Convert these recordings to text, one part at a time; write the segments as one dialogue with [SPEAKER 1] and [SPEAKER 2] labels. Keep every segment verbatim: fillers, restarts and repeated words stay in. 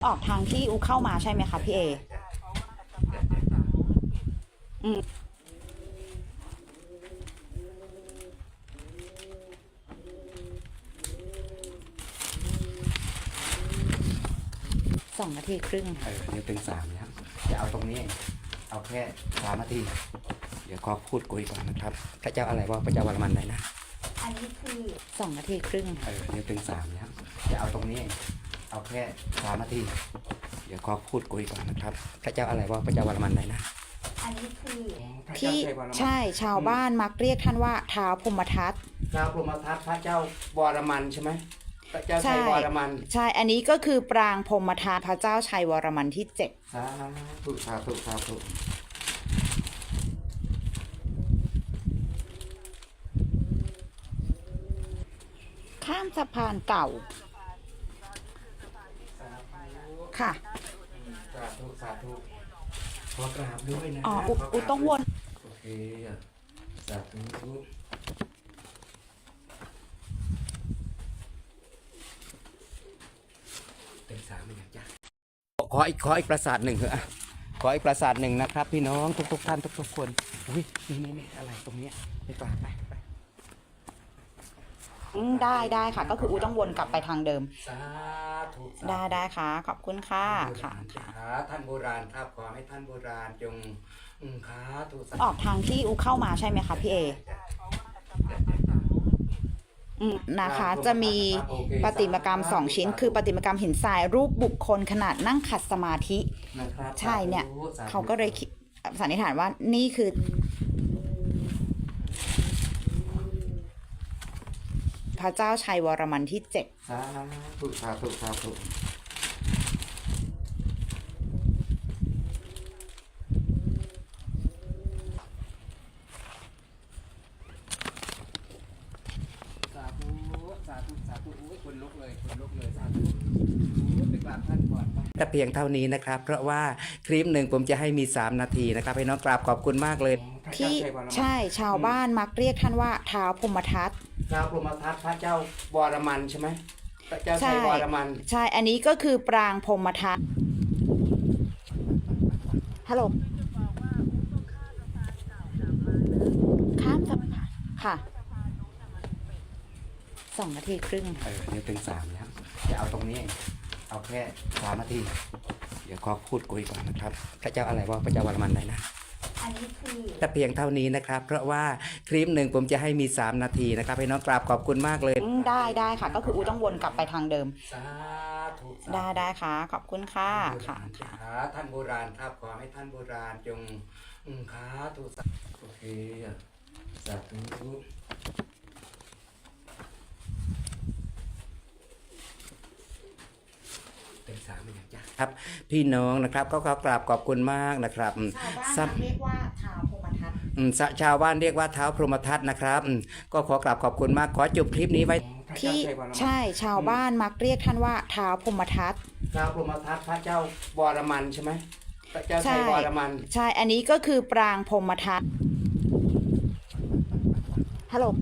[SPEAKER 1] ออกทางที่อูเข้ามาใช่ไหมคะพี่เออืมสองนาทีครึ่ง
[SPEAKER 2] เออเดี๋ยวถึงสามแล้วจะเอาตรงนี้เอาแค่สามนาทีเดี๋ยวขอพูดคุยก่อนนะครับพระเจ้าอะไรวะพระเจ้าวรมันไหนนะ
[SPEAKER 1] อันนี้คือสองนาทีครึ่ง
[SPEAKER 2] เออเดี๋ยวถึงสามแล้วจะเอาตรงนี้เอาแค่สามนาทีเดี๋ยวขอพูดคุยก่อนนะครับพระเจ้าอะไรวะพระเจ้าวรมันไหนนะ
[SPEAKER 1] อันนี้คือที่ใช่ชาวบ้านมักเรียกท่านว่าท้าวพรหมทัต
[SPEAKER 2] ท้าวพรหมทัตพระเจ้าวรมันใช่ไหมพระเจ้าชัยวรมัน
[SPEAKER 1] ใช่อันนี้ก็คือปรางพรหมทัตพระเจ้าชัยวรมันที่เจ็ด
[SPEAKER 2] สาธุสาธุสาธุ
[SPEAKER 1] ข้ามสะพานเก่าค่ะ
[SPEAKER 2] สาธุสาธุขอกราบด้วยนะ
[SPEAKER 1] อ๋ออุต้องวน
[SPEAKER 2] โอเคสาธุเต็มสามเป็นอย่างจ้ะขออีกขออีกปราสาทหนึ่งเหรอขออีกปราสาทหนึ่งนะครับพี่น้องทุกทุกท่านทุกทุกคนอุ้ยนี่นี่นี่อะไรตรงนี้ไปกราบไปไป
[SPEAKER 1] ได้ได้ค่ะก็คืออูต้องวนกลับไปทางเดิม
[SPEAKER 2] สาธุ
[SPEAKER 1] ได้ได้ค่ะขอบคุณค่ะค่ะ
[SPEAKER 2] ท่านโบราณครับขอให้ท่านโบราณจงค้าถูก
[SPEAKER 1] ออกทางที่อูเข้ามาใช่ไหมคะพี่เอนะคะจะมีประติมากรรมสองชิ้นคือประติมากรรมหินทรายรูปบุคคลขนาดนั่งขัดสมาธิใช่เนี่ยเขาก็เลยสันนิษฐานว่านี่คือพระเจ้าชัยวรมันที่เจ็ด
[SPEAKER 2] สาธุสาธุสาธุสาธุสาธุสาธุอุ้ยคนลุกเลยคนลุกเลยสาธุไปกราบท่านก่อนแต่เพียงเท่านี้นะครับเพราะว่าคลิปหนึ่งผมจะให้มีสามนาทีนะครับให้น้องกราบขอบคุณมากเลย
[SPEAKER 1] ที่ใช่ชาวบ้านมักเรียกท่านว่าท้าวพรหมทัต
[SPEAKER 2] ท้าวพรหมทัตพระเจ้าวรมันใช่ไหมพระเจ้าชัยวรมัน
[SPEAKER 1] ใช่อันนี้ก็คือปรางพรหมทัตฮัลโหลข้ามสะพานค่ะสองนาทีครึ่ง
[SPEAKER 2] เออเดี๋ยวถึงสามแล้วจะเอาตรงนี้เอาแค่สามนาทีเดี๋ยวขอพูดคุยก่อนนะครับพระเจ้าอะไรวะพระเจ้าวรมันไหนนะ
[SPEAKER 1] อันนี้คือ
[SPEAKER 2] แต่เพียงเท่านี้นะครับเพราะว่าคลิปหนึ่งผมจะให้มีสามนาทีนะครับให้น้องกราบขอบคุณมากเลย
[SPEAKER 1] ได้ได้ค่ะก็คืออูต้องวนกลับไปทางเดิม
[SPEAKER 2] สาธุ
[SPEAKER 1] ได้ได้ค่ะขอบคุณค่ะค่ะ
[SPEAKER 2] ท่านโบราณครับขอให้ท่านโบราณจงค้าถูกโอเคสาธุสามอย่างจ้ะครับพี่น้องนะครับก็ขอกราบขอบคุณมากนะครับ
[SPEAKER 1] ชาวบ้านเรียกว่าท้าวพรหมทัต
[SPEAKER 2] ชาวบ้านเรียกว่าเท้าพรหมทัตนะครับก็ขอกราบขอบคุณมากขอจบคลิปนี้ไว้
[SPEAKER 1] ที่ใช่ชาวบ้านมักเรียกท่านว่าท้าวพรหมทัต
[SPEAKER 2] ท้าวพรหมทัตพระเจ้าวรมันใช่ไหมพระเจ้าชัยวรมัน
[SPEAKER 1] ใช่อันนี้ก็คือปรางพรหมทัตฮัลโหล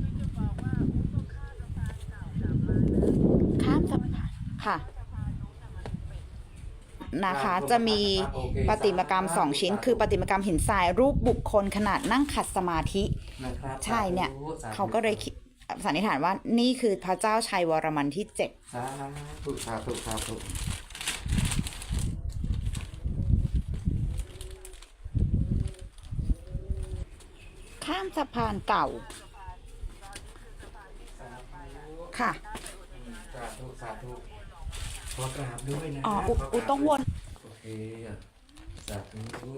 [SPEAKER 1] ข้ามสะพานค่ะนะคะจะมีประติมากรรมสองชิ้นคือประติมากรรมหินทรายรูปบุคคลขนาดนั่งขัดสมาธิใช่เนี่ยเขาก็เลยสันนิษฐานว่านี่คือพระเจ้าชัยวรมันที่เจ็ด
[SPEAKER 2] สาธุสาธุสาธุ
[SPEAKER 1] ข้ามสะพานเก่าค่ะ
[SPEAKER 2] สาธุสาธุขอกราบด้วยนะ
[SPEAKER 1] อ๋ออุต้องวน
[SPEAKER 2] โอเคสาธุ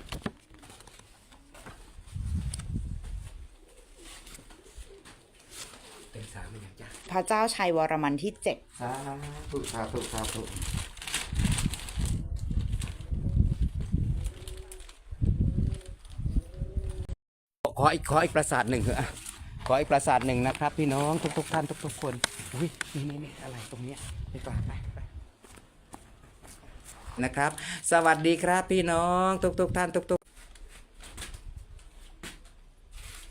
[SPEAKER 2] เต็มสามเป็นอย่างจ้ะ
[SPEAKER 1] พระเจ้าชัยวรมันที่เจ็ด
[SPEAKER 2] สาธุสาธุสาธุขออีกขออีกปราสาทหนึ่งเหรอขออีกปราสาทหนึ่งนะครับพี่น้องทุกทุกท่านทุกทุกคนอุ้ยนี่นี่นี่อะไรตรงนี้ไปกราบไปนะครับสวัสดีครับพี่น้องทุกทุกท่านทุกทุก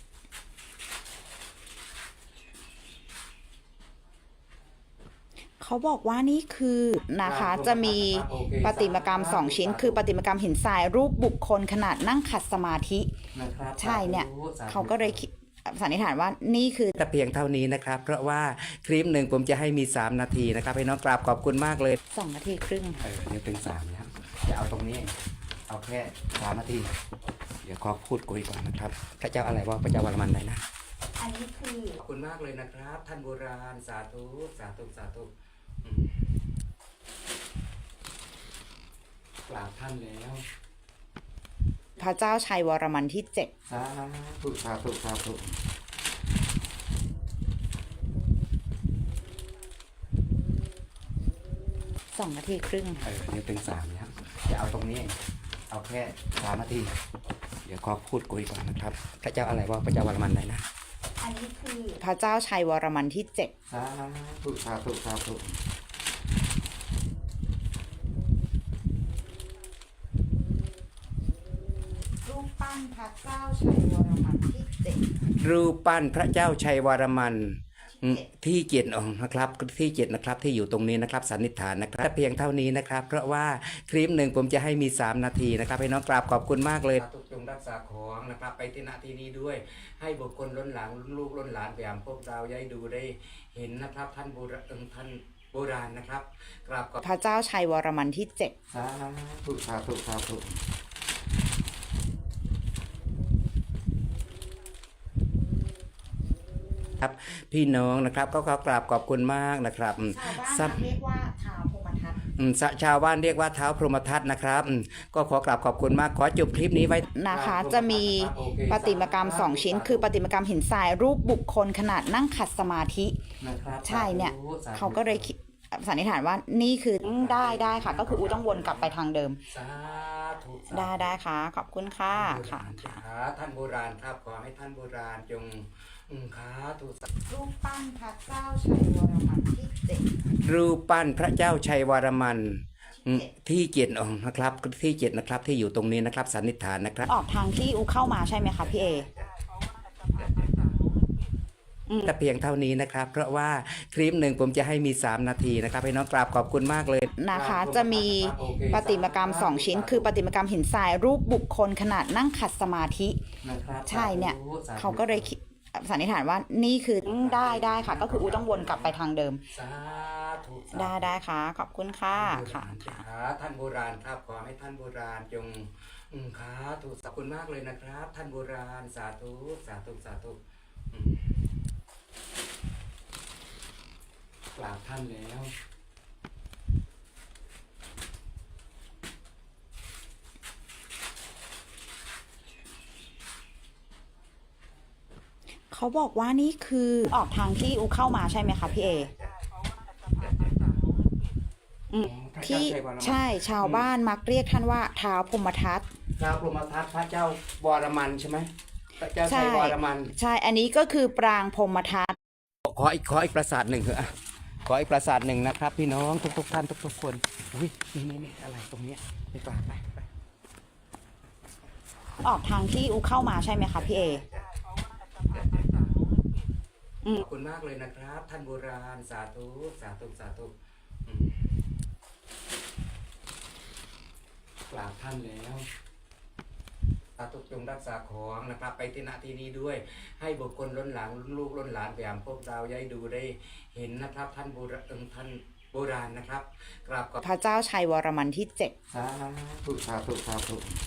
[SPEAKER 1] ขอเขาบอกว่านี่คือนะคะจะมีประติมากรรมสองชิ้น คือประติมากรรมหินทรายรูปบุคคลขนาดนั่งขัดสมาธิใช่เนี่ยเขาก็เลยคิดสันนิษฐานว่านี่คือ
[SPEAKER 2] แต่เพียงเท่านี้นะครับ เพราะว่าคลิปหนึ่งผมจะให้มีสามนาทีนะครับให้น้องกราบขอบคุณมากเลย
[SPEAKER 1] สองนาทีครึ่ง
[SPEAKER 2] เออเดี๋ยวเป็นสามแล้วจะเอาตรงนี้ เอาแค่สามนาที เดี๋ยวขอพูดคุยก่อนนะครับพระเจ้าอะไรวะพระเจ้าวรมันไหนนะ
[SPEAKER 1] อันนี้คือ
[SPEAKER 2] ขอบคุณมากเลยนะครับ ท่านโบราณสาธุสาธุสาธุอืมกราบท่านแล้ว
[SPEAKER 1] พระเจ้าชัยวรมันที่เจ็ด
[SPEAKER 2] สาธุสาธุสาธุ
[SPEAKER 1] สองนาทีครึ่ง
[SPEAKER 2] เออเดี๋ยวเป็นสามแล้วจะเอาตรงนี้ เอาแค่สามนาที เดี๋ยวขอพูดคุยก่อนนะครับพระเจ้าอะไรวะพระเจ้าวรมันไหนนะ
[SPEAKER 1] อันนี้คือพระเจ้าชัยวรมันที่เจ็ด
[SPEAKER 2] สาธุสาธุสาธุ
[SPEAKER 1] รูปปั้นพระเจ้าชัยวรมันที่เจ็ด
[SPEAKER 2] รูปปั้นพระเจ้าชัยวรมันอืมที่เจ็ดองค์นะครับที่เจ็ดนะครับที่อยู่ตรงนี้นะครับสันนิษฐานนะครับแต่เพียงเท่านี้นะครับ เพราะว่าคลิปหนึ่งผมจะให้มีสามนาทีนะครับให้น้องกราบขอบคุณมากเลยทุกจงรักษาของนะครับไปที่นาทีนี้ด้วย ให้บุคคลล้นหลังลูกล้นหลานแยามพวกเราย้ายดูได้เห็นนะครับท่านโบราณท่านโบราณนะครับกราบขอบ
[SPEAKER 1] พระเจ้าชัยวรมันที่เจ็ด
[SPEAKER 2] สาธุสาธุสาธุ ครับพี่น้องนะครับก็ขอกราบขอบคุณมากนะครับอืม
[SPEAKER 1] ชาวบ้านเรียกว่าท้าวพรหมทัต
[SPEAKER 2] อืมสะชาวบ้านเรียกว่าเท้าพรหมทัตนะครับอืมก็ขอกราบขอบคุณมากขอจบคลิปนี้ไว้
[SPEAKER 1] นะคะจะมีประติมากรรมสองชิ้น คือประติมากรรมหินทรายรูปบุคคลขนาดนั่งขัดสมาธิใช่เนี่ยเขาก็เลยคิดสันนิษฐานว่านี่คือได้ได้ค่ะ ก็คืออูต้องวนกลับไปทางเดิม
[SPEAKER 2] สาธุ
[SPEAKER 1] ได้ได้ค่ะ ขอบคุณค่ะค่ะ
[SPEAKER 2] ค่ะท่านโบราณครับขอให้ท่านโบราณจงอืมค่ะถูก
[SPEAKER 1] รูปปั้นพระเจ้าชัยวรมันที่เจ็ด
[SPEAKER 2] รูปปั้นพระเจ้าชัยวรมันอืมที่เจ็ดองค์นะครับที่เจ็ดนะครับที่อยู่ตรงนี้นะครับสันนิษฐานนะครับ
[SPEAKER 1] ออกทางที่อูเข้ามาใช่ไหมคะพี่เอ
[SPEAKER 2] แต่เพียงเท่านี้นะครับ เพราะว่าคลิปหนึ่งผมจะให้มีสามนาทีนะครับให้น้องกราบขอบคุณมากเลย
[SPEAKER 1] นะคะจะมีประติมากรรมสองชิ้น คือประติมากรรมหินทรายรูปบุคคลขนาดนั่งขัดสมาธิใช่เนี่ยเขาก็เลยคิดสันนิษฐานว่านี่คือได้ได้ค่ะ ก็คืออูต้องวนกลับไปทางเดิม
[SPEAKER 2] สาธุ
[SPEAKER 1] ได้ได้ค่ะ ขอบคุณค่ะค่ะ
[SPEAKER 2] ค่ะท่านโบราณครับขอให้ท่านโบราณจงอืมค่ะถูกขอบคุณมากเลยนะครับ ท่านโบราณสาธุสาธุสาธุอืมกราบท่านแล้ว
[SPEAKER 1] เขาบอกว่านี่คือออกทางที่อูเข้ามาใช่ไหมคะพี่เอ อืมที่ใช่ชาวบ้านมักเรียกท่านว่าท้าวพรหมทัต
[SPEAKER 2] ท้าวพรหมทัตพระเจ้าวรมันใช่ไหมพระเจ้าชัยวรมัน
[SPEAKER 1] ใช่ อันนี้ก็คือปรางพรหมทัต
[SPEAKER 2] ขออีกขออีกปราสาทหนึ่งเถอะอ่ะขออีกปราสาทหนึ่งนะครับ พี่น้องทุกทุกๆท่านทุกทุกๆคนอุ้ยนี่นี่นี่อะไรตรงเนี้ยไปกราบไปไป
[SPEAKER 1] ออกทางที่อูเข้ามาใช่ไหมคะพี่เอ
[SPEAKER 2] ขอบคุณมากเลยนะครับ ท่านโบราณสาธุสาธุสาธุอืมกราบท่านแล้วสาธุจงรักษาของนะครับ ไปที่นาทีนี้ด้วย ให้บุคคลล้นหลังลูกล้นหลานแยามพวกเราย้ายดูได้เห็นนะครับ ท่านโบราณท่านโบราณนะครับกราบขอบ
[SPEAKER 1] พระเจ้าชัยวรมันที่เจ็ด
[SPEAKER 2] สาธุสาธุสาธุ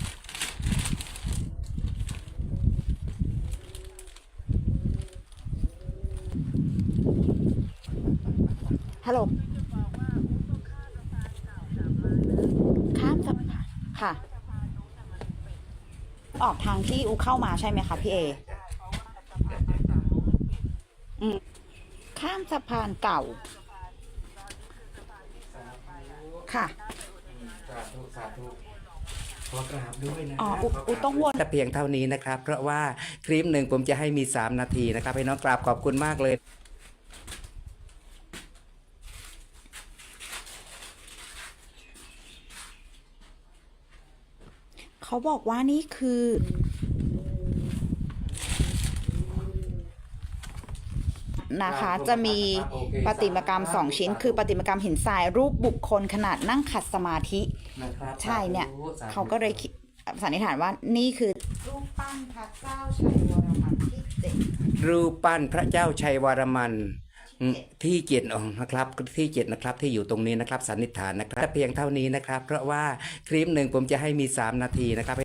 [SPEAKER 1] ฮัลโหลข้ามสะพานค่ะ ออกทางที่อูเข้ามาใช่ไหมคะพี่เอ อืมข้ามสะพานเก่า ค่ะ
[SPEAKER 2] สาธุสาธุขอกราบด้วยนะ
[SPEAKER 1] อ๋ออุอุต้องวน
[SPEAKER 2] แต่เพียงเท่านี้นะครับ เพราะว่าคลิปหนึ่งผมจะให้มีสามนาทีนะครับให้น้องกราบขอบคุณมากเลย
[SPEAKER 1] เขาบอกว่านี่คือนะคะจะมีประติมากรรมสองชิ้น คือประติมากรรมหินทรายรูปบุคคลขนาดนั่งขัดสมาธิ
[SPEAKER 2] นะครับ
[SPEAKER 1] ใช่เนี่ย
[SPEAKER 2] สาธุ
[SPEAKER 1] เขาก็เลยคิดสันนิษฐานว่านี่คือรูปปั้นพระเจ้าชัยวรมันที่เจ็ด
[SPEAKER 2] รูปปั้นพระเจ้าชัยวรมันอืมที่เจ็ดองค์นะครับที่เจ็ดนะครับที่อยู่ตรงนี้นะครับสันนิษฐานนะครับแต่เพียงเท่านี้นะครับ เพราะว่าคลิปหนึ่งผมจะให้มีสามนาทีนะครับ